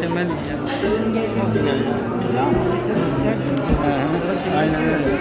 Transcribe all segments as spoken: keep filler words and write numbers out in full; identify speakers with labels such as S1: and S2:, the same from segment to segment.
S1: Mükemmel ya.
S2: Çok güzel ya. Güzel ama lisenin güzel bir sesi. Aynen öyle.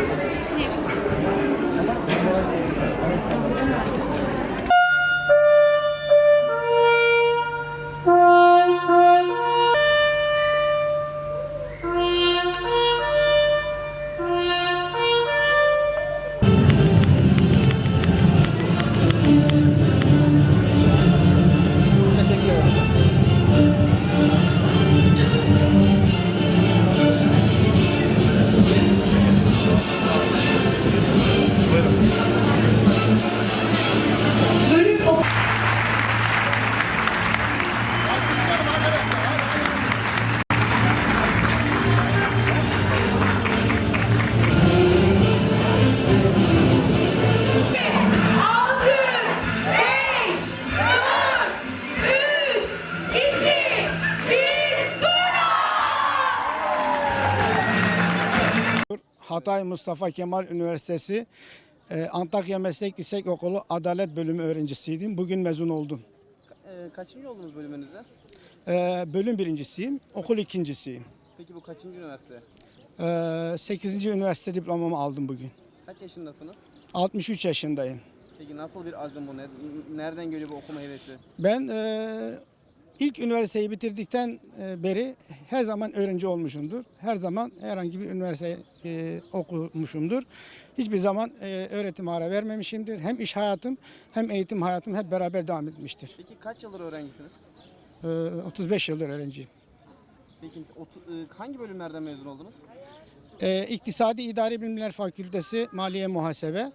S3: Hatay Mustafa Kemal Üniversitesi e, Antakya Meslek Yüksekokulu Adalet Bölümü öğrencisiydim. Bugün mezun oldum.
S4: Ee, kaçıncı oldunuz bölümünüzde?
S3: E, bölüm birincisiyim, okul ikincisiyim.
S4: Peki bu kaçıncı üniversite?
S3: E, sekizinci üniversite diplomamı aldım bugün.
S4: Kaç yaşındasınız?
S3: altmış üç yaşındayım.
S4: Peki nasıl bir azim bu? Ne- Nereden geliyor bu okuma hevesi?
S3: Ben e, ilk üniversiteyi bitirdikten e, beri her zaman öğrenci olmuşumdur. Her zaman herhangi bir üniversite e, okumuşumdur. Hiçbir zaman e, öğretim ara vermemişimdir. Hem iş hayatım hem eğitim hayatım hep beraber devam etmiştir.
S4: Peki kaç yıldır öğrencisiniz?
S3: E, otuz beş yıldır öğrenciyim.
S4: Peki otu- e, hangi bölümlerden mezun oldunuz?
S3: E, İktisadi İdari Bilimler Fakültesi Maliye Muhasebe,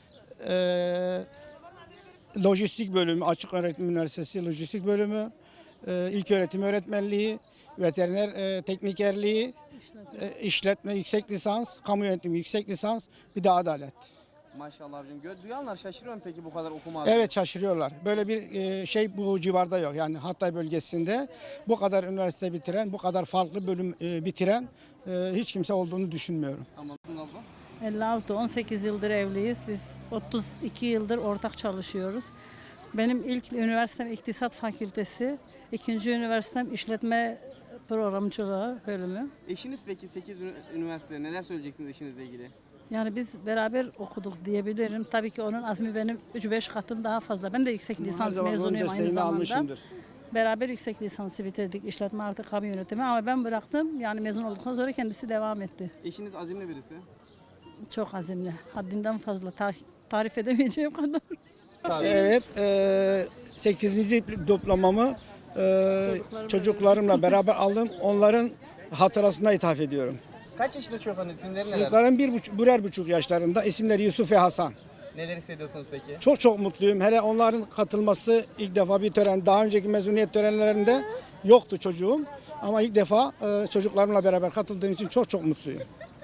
S3: e, Lojistik Bölümü, Açık Öğretim Üniversitesi Lojistik Bölümü, e, İlköğretim Öğretmenliği, Veteriner e, Teknikerliği, e, İşletme Yüksek Lisans, Kamu Yönetimi Yüksek Lisans, bir de Adalet.
S4: Maşallah abicim. Gö- Duyanlar şaşırıyor mu peki bu kadar okuma azmi?
S3: Evet, şaşırıyorlar. Böyle bir e, şey bu civarda yok. Yani Hatay bölgesinde bu kadar üniversite bitiren, bu kadar farklı bölüm e, bitiren e, hiç kimse olduğunu düşünmüyorum.
S4: Ama nasıl abla?
S1: elli altı on sekiz yıldır evliyiz. Biz otuz iki yıldır ortak çalışıyoruz. Benim ilk üniversitem İktisat Fakültesi, ikinci üniversitem İşletme Programcılığı bölümü.
S4: Eşiniz peki sekiz üniversite. Neler söyleyeceksiniz eşinizle ilgili?
S1: Yani biz beraber okuduk diyebilirim. Tabii ki onun azmi benim üç beş katım daha fazla. Ben de yüksek
S3: Her
S1: lisans
S3: zaman onun
S1: mezunuyum aynı
S3: desteğini
S1: zamanda.
S3: almışımdır.
S1: Beraber yüksek lisansı bitirdik. İşletme artı kamu yönetimi ama ben bıraktım. Yani mezun olduktan sonra kendisi devam etti.
S4: Eşiniz azimli birisi.
S1: Çok azimli. Haddinden fazla. Ta- tarif edemeyeceğim kadar.
S3: Evet, e, sekizinci diplomamı e, çocuklarımla beraber aldım. Onların hatırasına ithaf ediyorum.
S4: Kaç yaşında çocukların isimleri neler?
S3: Çocuklarım bir buçuk, birer buçuk yaşlarında. İsimleri Yusuf ve Hasan.
S4: Neler hissediyorsunuz peki?
S3: Çok çok mutluyum. Hele onların katılması ilk defa bir tören. Daha önceki mezuniyet törenlerinde yoktu çocuğum. Ama ilk defa e, çocuklarımla beraber katıldığım için çok çok mutluyum.